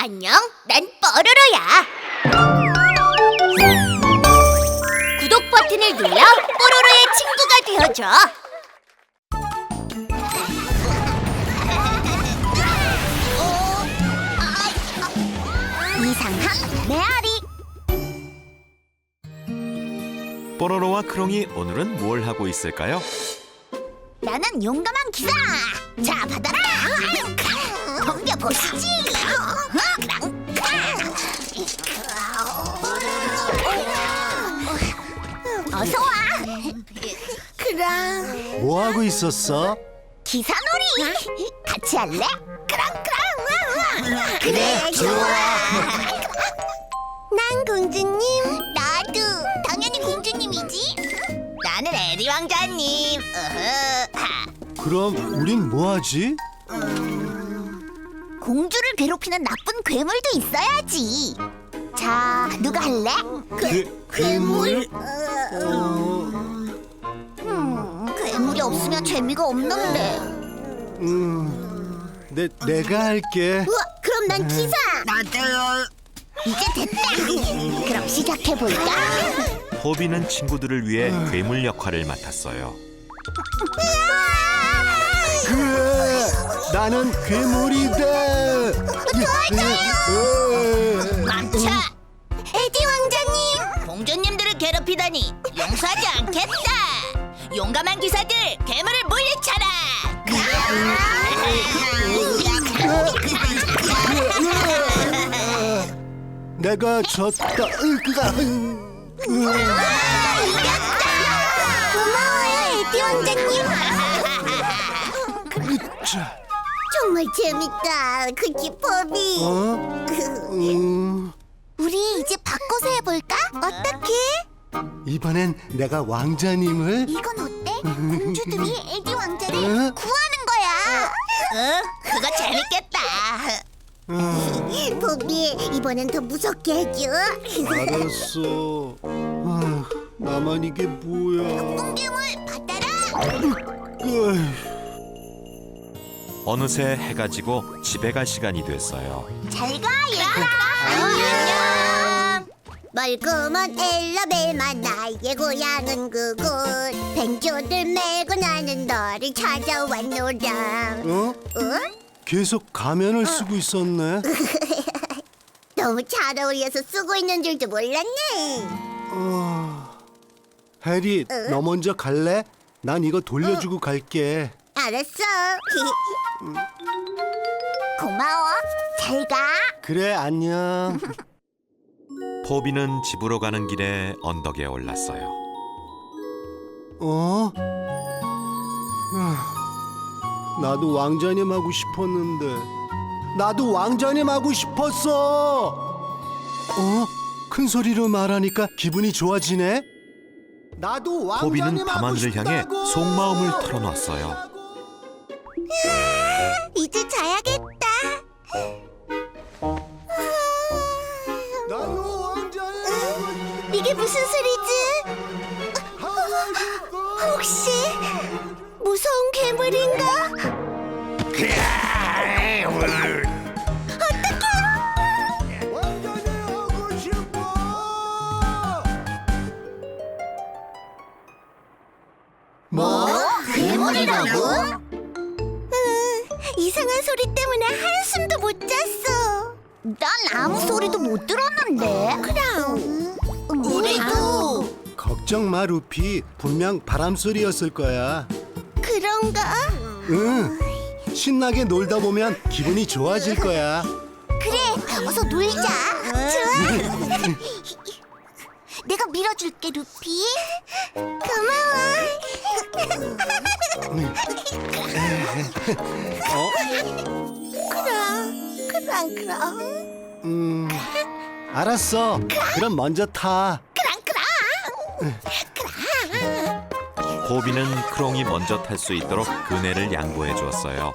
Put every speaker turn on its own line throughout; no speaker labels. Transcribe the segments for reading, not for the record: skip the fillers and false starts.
안녕, 난 뽀로로야. 구독 버튼을 눌러 뽀로로의 친구가 되어줘. 이상한 메아리.
뽀로로와 크롱이 오늘은 뭘 하고 있을까요?
나는 용감한 기사. 자, 받아라. 덤벼보시지. 어서 와. 그랑
뭐 하고 있었어?
기사놀이. 같이 할래? 그랑. 그래, 좋아. 난 공주님. 나도 당연히 공주님이지. 나는 에리 왕자님.
그럼 우린 뭐 하지?
공주를 괴롭히는 나쁜 괴물도 있어야지. 자, 누가 할래?
괴물?
괴물이 없으면 재미가 없는데.
내가 할게.
우와, 그럼 난 기사. 나도요. 이제 됐다. 그럼 시작해볼까?
호비는 친구들을 위해 괴물 역할을 맡았어요.
그래, 나는 괴물이다.
멈춰! 에디 왕자님! 공주님들을 괴롭히다니 용서하지 않겠다! 용감한 기사들, 괴물을 물리쳐라!
내가 졌다.
고마워요, 에디 왕자님! 정말 재밌다, 그치, 포비? 우리 이제 바꿔서 해볼까? 어떻게?
이번엔 내가 왕자님을.
이건 어때? 공주들이 에디 왕자를
응?
구하는 거야. 응? 그거 재밌겠다. 포비, 이번엔 더 무섭게 해줘.
알았어. 나만 이게 뭐야?
뿡괴물 받아라.
어느새 해가 지고 집에 갈 시간이 됐어요.
잘 가, 얘들아. 안녕. 멀고먼 엘라벨만 나의 고향은 그곳. 벤조들 메고 나는 너를 찾아왔노라.
어? 계속 가면을 쓰고 있었네.
너무 잘 어울려서 쓰고 있는 줄도 몰랐네.
해리, 너 먼저 갈래? 난 이거 돌려주고 갈게.
알았어. 고마워. 잘 가.
그래, 안녕.
호비는 집으로 가는 길에 언덕에 올랐어요.
나도 왕자님 하고 싶었는데. 나도 왕자님 하고 싶었어. 큰 소리로 말하니까 기분이 좋아지네. 나도 왕자님
호비는
하고
밤하늘을 향해
싶다고.
속마음을 털어놨어요.
이제 자야겠다.
나도 왕자님
이게 무슨 소리지? 혹시 무서운 괴물인가?
왕자님 하고 싶어. 뭐?
괴물이라고? 이상한 소리 때문에 한숨도 못 잤어. 난 아무 소리도 못 들었는데. 그럼 우리도.
걱정 마, 루피. 분명 바람 소리였을 거야.
그런가?
응. 신나게 놀다 보면 기분이 좋아질 거야.
그래, 어서 놀자. 좋아. 내가 밀어줄게, 루피. 고마워. 그럼.
알았어. 그럼 먼저 타.
호비는 크롱이 먼저 탈 수 있도록 그네를 양보해 주었어요.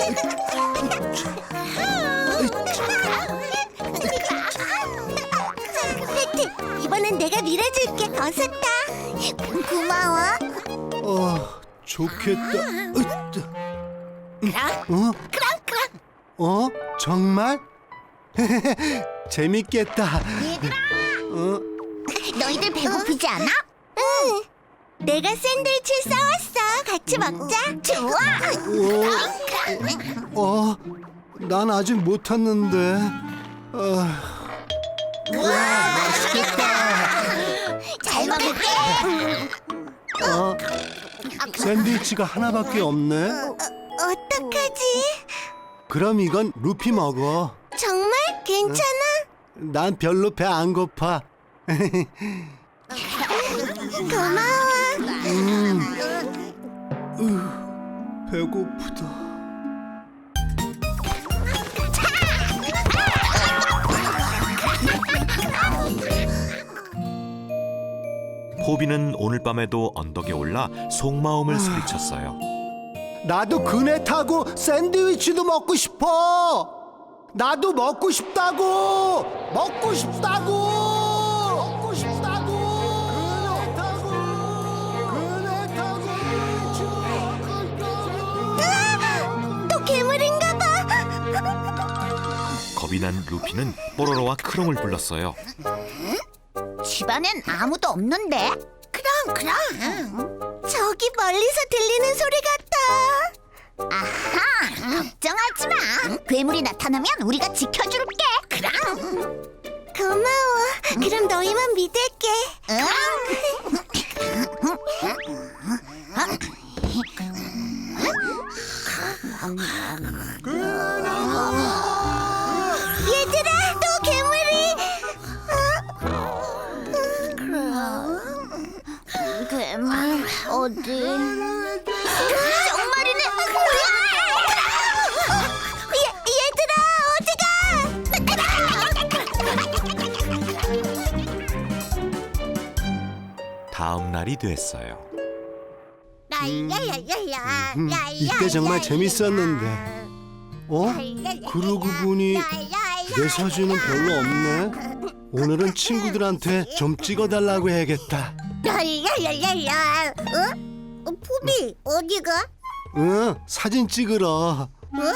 이번엔 내가 밀어줄게. 어서 타. 고마워.
좋겠다.
그럼.
정말? 재밌겠다.
얘들아,
어?
너희들 배고프지 않아? 응. 내가 샌드위치 싸왔어. 같이 먹자. 좋아.
난 아직 못 탔는데.
잘 먹을게.
샌드위치가 하나밖에 없네.
어떡하지?
그럼 이건 루피 먹어.
정말 괜찮아?
난 별로 배 안 고파.
고마워.
배고프다.
포비는 오늘 밤에도 언덕에 올라 속마음을 소리쳤어요.
나도 그네 타고 샌드위치도 먹고 싶어. 나도 먹고 싶다고. 먹고 싶다고. 먹고 싶다고. 그네 타고
또 괴물인가 봐.
겁이 난 루피는 뽀로로와 크롱을 불렀어요.
집안엔 아무도 없는데? 그럼. 저기 멀리서 들리는 소리 같아. 아하, 걱정하지 마. 괴물이 나타나면 우리가 지켜줄게. 그럼. 고마워. 그럼 너희만 믿을게. 응. 얘들아, 또 괴물이. 괴물 어디? 정말이네. 얘들아,
다음 날이 됐어요.
이때 정말 재밌었는데. 그러고 보니 내 사진은 별로 없네. 오늘은 친구들한테 좀 찍어달라고 해야겠다.
포비 어디가?
응, 사진 찍으러.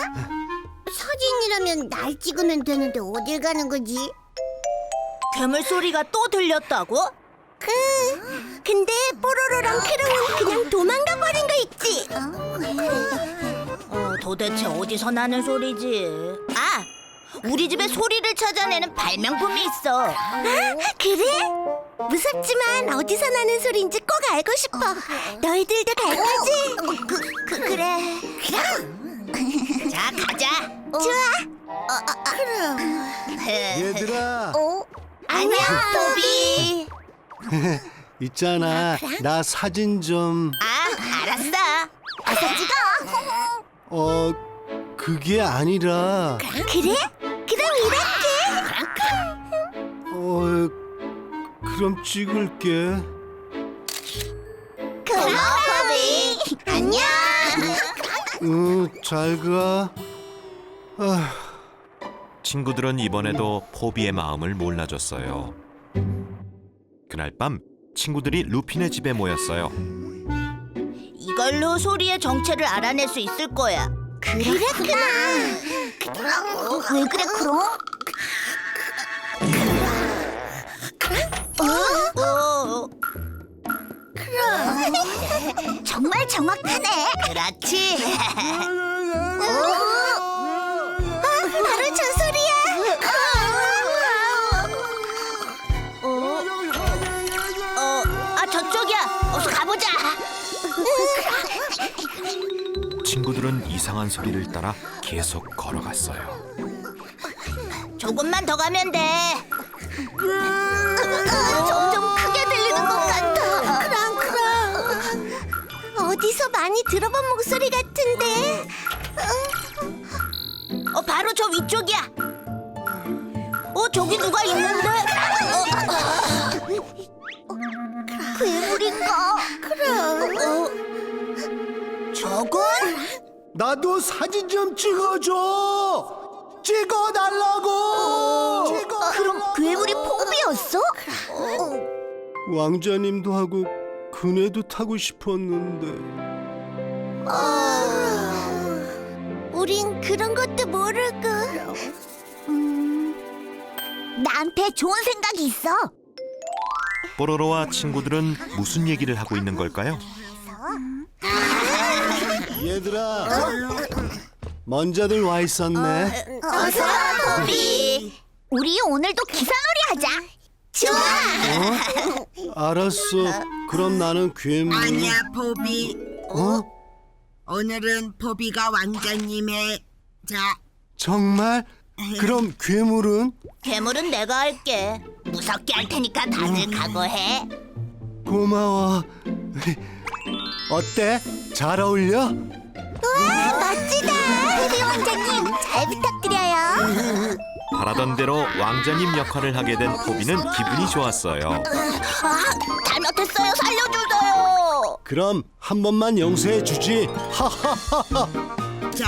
사진이라면 날 찍으면 되는데 어딜 가는 거지?
괴물 소리가 또 들렸다고?
근데 뽀로로랑 크롱은 그냥 도망가 버린 거 있지?
도대체 어디서 나는 소리지? 아! 우리 집에 소리를 찾아내는 발명품이 있어.
그래? 무섭지만 어디서 나는 소리인지 꼭 알고 싶어. 너희들도 갈 거지? 그래.
자, 가자.
좋아.
얘들아,
안녕, 포비.
있잖아. 나 사진 좀.
아, 알았어.
어서 찍어.
그게 아니라.
그래? 그럼 이렇게.
그럼 찍을게.
고마워, 포비. 안녕.
잘 가.
친구들은 이번에도 포비의 마음을 몰라줬어요. 그날 밤 친구들이 루피네 집에 모였어요.
이걸로 소리의 정체를 알아낼 수 있을 거야.
그랬구나. 왜 그래, 크롱? 정말 정확하네.
그렇지.
바로 저 소리야.
저쪽이야. 어서 가보자.
친구들은 이상한 소리를 따라 계속 걸어갔어요.
조금만 더 가면 돼.
점점 크게 들리는 것 같아. 크롱. 어디서 많이 들어본 목소리 같은데.
바로 저 위쪽이야. 저기 누가 있는데?
괴물인가?
저건?
나도 사진 좀 찍어줘. 찍어달라고.
그럼 괴물이 포비였어?
왕자님도 하고 그네도 타고 싶었는데.
우린 그런 것도 모르고. 나한테 좋은 생각이 있어.
뽀로로와 친구들은 무슨 얘기를 하고 있는 걸까요?
얘들아, 먼저들 와 있었네.
어서 와, 보비. 우리 오늘도 기사놀이 하자. 좋아.
알았어. 그럼 나는 괴물.
아니야, 보비.
어?
오늘은 보비가 왕자님의 자.
정말? 그럼 괴물은?
괴물은 내가 할게. 무섭게 할 테니까 다들 각오해.
고마워. 어때? 잘 어울려?
우와, 멋지다. 보비 왕자님, 잘 부탁드려요.
바라던 대로 왕자님 역할을 하게 된 포비는 기분이 좋았어요.
잘못했어요. 살려주세요.
그럼 한 번만 용서해 주지.
자,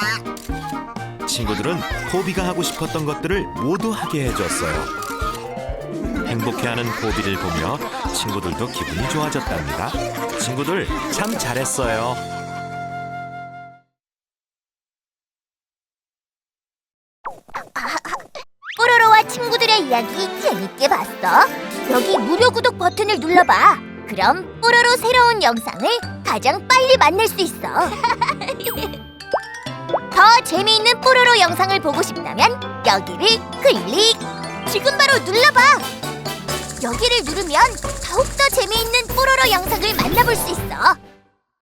친구들은 포비가 하고 싶었던 것들을 모두 하게 해줬어요. 행복해하는 포비를 보며 친구들도 기분이 좋아졌답니다. 친구들 참 잘했어요.
뽀로로와 친구들의 이야기 재밌게 봤어? 여기 무료 구독 버튼을 눌러봐. 그럼 뽀로로 새로운 영상을 가장 빨리 만날 수 있어. 더 재미있는 뽀로로 영상을 보고 싶다면 여기를 클릭. 지금 바로 눌러봐. 여기를 누르면 더욱더 재미있는 뽀로로 영상을 만나볼 수 있어.